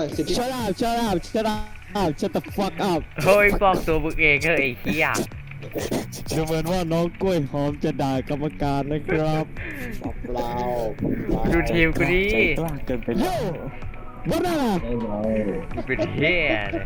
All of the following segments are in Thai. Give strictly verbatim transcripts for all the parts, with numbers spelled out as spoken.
สิทธิ shut up shut up shut up shut the fuck up เฮ้ยบอกตัวมึงเองเฮ้ยไอ้เหี้ยดูเหมือนว่าน้องกล้วยหอมจะด่ากรรมการนะครับบอกเราดูทีมกูดิใจกล้าเกินไปแล้โย่วบ้าน่ะมึงเป็นเหี้ยเลย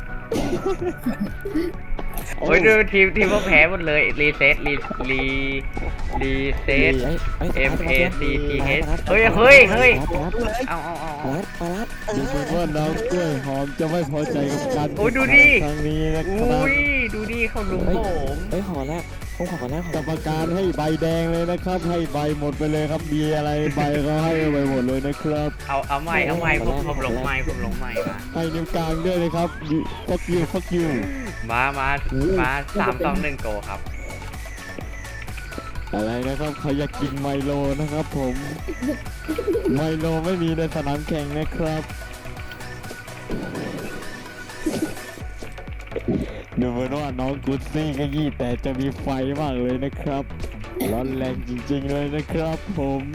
โอ้ยดูทีมทีมพวกแพ้หมดเลยรีเซ็ตรีรีรีเซ็ต M A C T H เฮ้ยเฮ้ยเฮ้ยเอาเอาเอาเอาดูเหมือนว่าน้องกล้วยหอมจะไม่พอใจกับการโอ้ยดูดิครั้งนี้นะคอุ้รับยดูดิเขาลุมผมเฮ้ยขอแล้วผมขอแล้วขกรอรมการให้ใบแดงเลยนะครับ ให้ใบหมดไปเลยครับมีอะไรใบก็ให้ไปหมดเลยนะครับเอาเอาใหม่เอาใหม่ผมผมหลงใหม่ผมหลงใหม่มาให้นิ้วกลางด้วยนะครับ fuck you fuck you มามามาสามสองหนึ่งโกครับอะไรนะครับเขาอยากกินไมโลนะครับผมไมโลไม่มีในสนามแข่งนะครับดูเหมือนว่าน้องกุดซี่ก็ยี่แต่จะมีไฟมากเลยนะครับร้อนแรงจริงๆเลยนะครับผม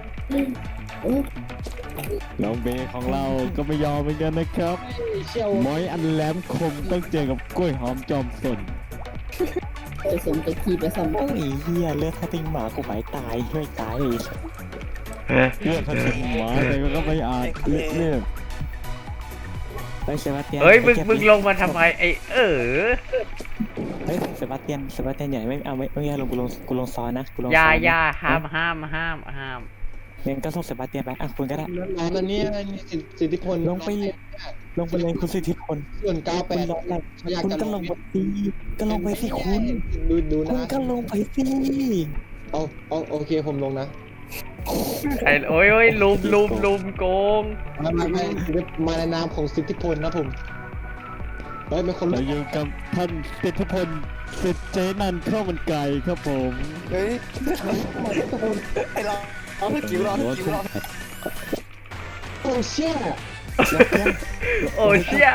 น้องเบของเราก็ไม่ยอมเหมือนกันนะครับเชี่ยวม้อยอันแหลมคมต้องเจอกับกล้วยหอมจอมสนจะสมจะขีดจะสมโอ้ยเฮียเลือดถ้าติ้งหมากูหมายตายช่วยตายเลือดพันธุ์หมาแต่ก็ไม่อาจเลือดเลือดเฮ้ยเซบาสเตียนเฮ้ยมึงมึงลงมาทำไมไอ้เออเฮ้ยเซบาสเตียนเซบาสเตียนใหญ่ไม่เอาไม่ไม่เอาลงกูลงกูลงซอนนะกูลงอยาซอนอยาห้ามห้ามห้ามห้ามงั้นก็ส่งเซบาสเตียนไปอ่ะคุณก็ได้น้องตอนนี้สิทธิพลลงไปลงไปเลยคุณสิทธิพลส่วนเก้าแปคุณดร้อนแรงเขาอยากคุณจะก็ลงไปสิก็ลงไปสิคุณดูดูคุณนะก็ลงไปสิเอาเอาโอเคผมลงนะไอ้โอ้ยโอ้ยลุมลุมลุมโกงมามามามาในนามของสิทธิพลนะผมเฮ้ยเป็นคนเราอยู่กับท่านสิทธิพลสิทธิเจนันข้าวมันไก่ครับผมเฮ้ยไอ้เราเอาสกิลเราสกิลเราโอ้เชี่ยโอ้เชี่ย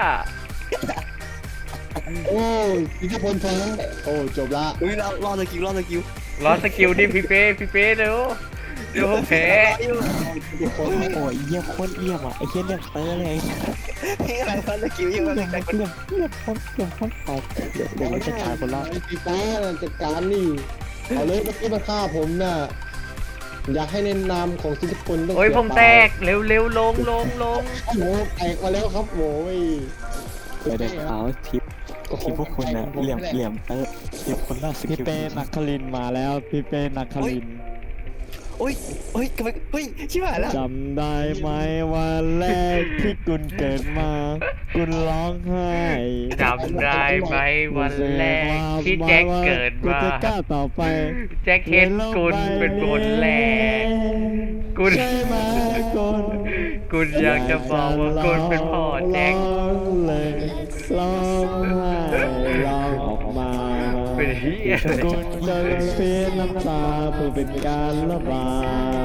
โอ้สิทธิพลแพ้โอ้จบละเฮ้ยเรารอสกิลรอสกิลรอสกิลดิพี่เป้พี่เป้เดี๋ยวเดี๋ยวผมแพ้สิทธิพลโอ้ยเยี่ยมโคตรเยี่ยมอ่ะไอ้เหี้ยเรียกเตอร์เลยนี่กำลังรอสกิลอยู่กำลังเรียกเรียกโคตรเรียกโคตรตายเดี๋ยวเดี๋ยวจัดการคนละไอ้ปีฟ้าจัดการนี่เอาเลยเมื่อกี้มาฆ่าผมน่ะอยากให้ในนามของสิทธิพลต้องโอ้ยผมแตกเร็วเร็วลงลงลงโอ้แตกมาแล้วครับโว้ยไปเด็กขาวทิปทิปพวกคุณนะเหลี่ยมเหลี่ยมเตอร์เหลี่ยมคนละสกิพี่ลเป้นักคลินมาแล้วพี่เป้นักคลินโอ้ยโอ้ยกำไมเฮ้ยชิบหายแล้วจำได้ไหมวันแรกที่กุนเกิดมากุนร้องไห้จำได้ไหมวันแรกที่แจ็คเกิดกุนมาจะกล้าต่อไปแจ็คเห็นกุลเป็นคนแรกกุลใช่ไหมกุนกุลอยากจะบอกว่ากุลเป็นพ่อแจ็คร้องเลยร้องไห้ร้องออกมาเป็นเฮียกุนจะเพียน้ำตาเพื่อเป็นการระบาย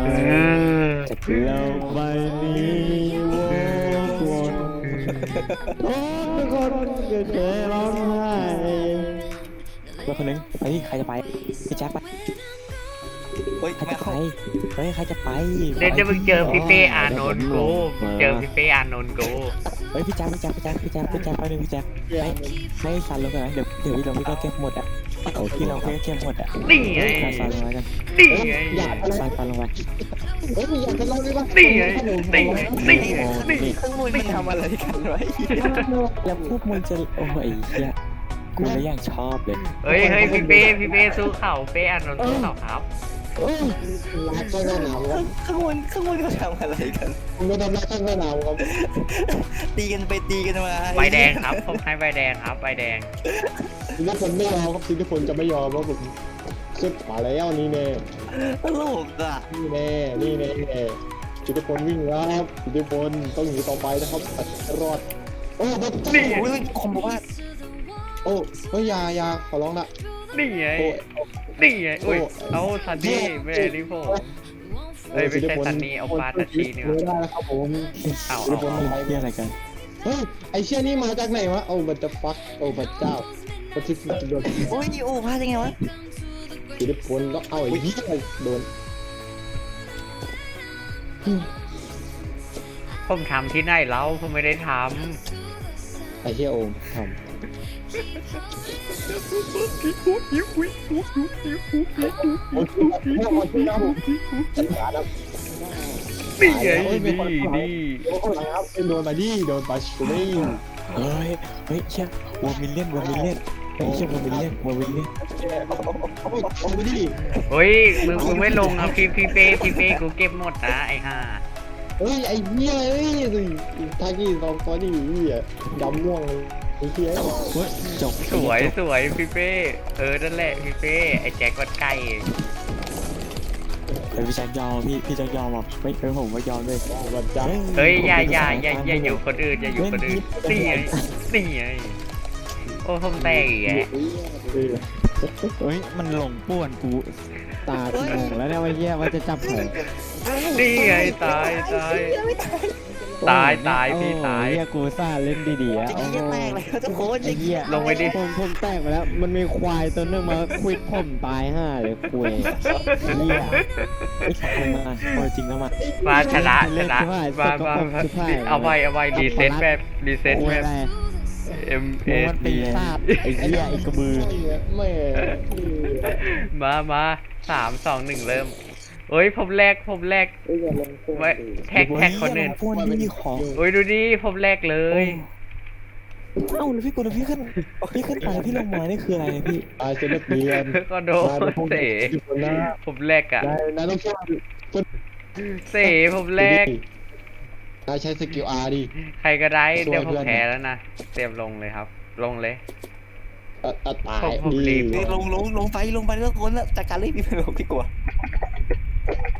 เออแล้วใบนี้วกวนโอ้ทุกคนก็เคยร้องไห้เพื่อนคนนึงไปที่ใครจะไปพี่แจ็คไปเฮ้ยใครจะไปเฮ้ยใครจะไปเดี๋ยวจะมึงเจอพี่เป้อานนท์กูมึงเจอพี่เป้อานนท์กูเฮ้ยพี่แจ็คพี่แจ็คพี่แจ็คพี่แจ็คพี่แจ็คไปหนึ่งพี่แจ็คให้ให้สันลงกันนะเดี๋ยวเดี๋ยวพี่ลงพี่ก็เก็บหมดอ่ะโอ้พี่ลงพี่ก็เก็บหมดอ่ะนี่ไงสันลงมากันนี่ไงอยากอะไรสันสันลงไปเฮ้ยอยากจะเล่าได้ปะนี่ไงนี่นี่นี่ข้างบนมันทำอะไรกันไว้แล้วพวกมึงจะโอ้ยเฮียกูเลยอย่างชอบเลยเฮ้ยเฮ้ยพี่เป้พี่เป้สู้เข่าเป้อานนท์สู้เข่าครับเอ้ยรักข้างหนาวครับข้างบนข้างบนเขาทำอะไรกันผมไม่ทำรักข้างหนาวครับตีกันไปตีกันมาใบแดงครับผมให้ใบแดงครับใบแดงสิทธิพลไม่ยอมครับสิทธิพลจะไม่ยอมครับผมขึ้นมาแล้วนี่แน่ตลกอ่ะนี่แน่นี่แน่สิทธิพลวิ่งแล้วครับสิทธิพลต้องหนีต่อไปนะครับรอดโอ้บัตนี่โอ้ยคมบอกว่าโอ้เฮ้ยยายาขอร้องละนี่ไงโอ้นี่ไงอุ้ยเอาซันนี่แม่นี่ผมเฮ้ยไม่ใช่ซันนี่เอาปลาตาชีนี่ไม่วะได้แล้วครับผมเอาสิทธิพเอาลเอาไปเฮียอะไรกันเฮ้ยไอเชี่ยนี่มาจากไหนวะโอ้บัตจะฟักโอ้บัตเจ้าปฏิสิทธิ์โดนโอ้ยโอ้พลาดยังไงวะสิทธิพลก็เอาไอ้ยี่โดนผมทำที่ไหนแล้วผมไม่ได้ทไอ้เหี้ยโอมทำโอ้ยโอ้ยโอ้ยนะผมอย่านะำนี่ไงนี่นี่โอ้ยครับเป็นโดนมาดิโดนปาชูนี่เฮ้ยเฮ้ยเชี่ยวอร์มิลเลียนวอร์มิลเลียนเฮ้ยเชี่ยวอร์มิลเลียนวอร์มิลเลียนเอาไปเอาไปดิเฮ้ยมึงมึงไม่ลงอ่ะพี่พี่เป้พี่เป้กูเก็บหมดนะไอ้ห่าเฮ้ยไอ้เหี้ยเฮ้ยสิทากี้สองตัวนี่เหี้ยดำม่วงเลยไอ้เหี้ยเฮ้ยจบสวยสวยพี่เป้เออนั่นแหละพี่เป้ไอ้แจ็ควัดไก่เฮ้ยพี่แจ็คยอมพี่พี่แจ็คยอมอ่ะไม่เฮ้ยผมไม่ยอมเลยวันจันทร์เฮ้ยอย่าอย่าอย่าอย่าอยู่คนอื่นอย่าอยู่คนอื่นนี่ไงนี่ไงโอ้ผมแตกอีกแกเฮ้ยมันหลงป่วนกูตากูงงแล้วเนี่ยว่าเหี้ยว่าจะจับแผลนี่ไงตายตายตายตายพี่ตายโอ้เหี้ยกูซ่าเล่นดีๆอ่ะโอ้โหแตกเลยทุกคนไอ้เหี้ยลงไปดิผมผมแตกไปแล้ว มันมีควายตัวนึงมาควิดผมตายห่าเลยคุยเหี้ยไอ้ขับมาพอจริงแล้วมามาชนะชเล่นนะชิบหายมามาสกปรกมาชิบหายเอาไว้เอาไว้รีเซ็ตแบบรีเซ็ตคุยแบอะบไร M โอ้ S มันปีศาจไอ้เหี้ยไอ้กระบือไม่มามาสามสองหนึ่งเริ่มเฮ้ยผมแรกผมแรกไว้แท็กแท็กคนอื่นพวกนี้มีของโอ้ยดูดิผมแรกเลยเอ้าแล้วพี่กดแล้วพี่ขึ้นพี่ขึ้นไปแล้วพี่ลงมานี่คืออะไรเนี่ยพี่ตายเซนเปียนก็โดนเสคนหน้าผมแรกอะนายนายต้องช่วยเสผมแรกนายใช้สกิลอาร์ดิใครก็ได้ช่วยเดี๋ยวผมเพื่อนแพ้แล้วนะเตรียมลงเลยครับ ลงเลยตายผมผมรีบดีลงลงลงไปลงไปแล้วคนละจัดการเลยพี่ไม่ลงพี่กลัว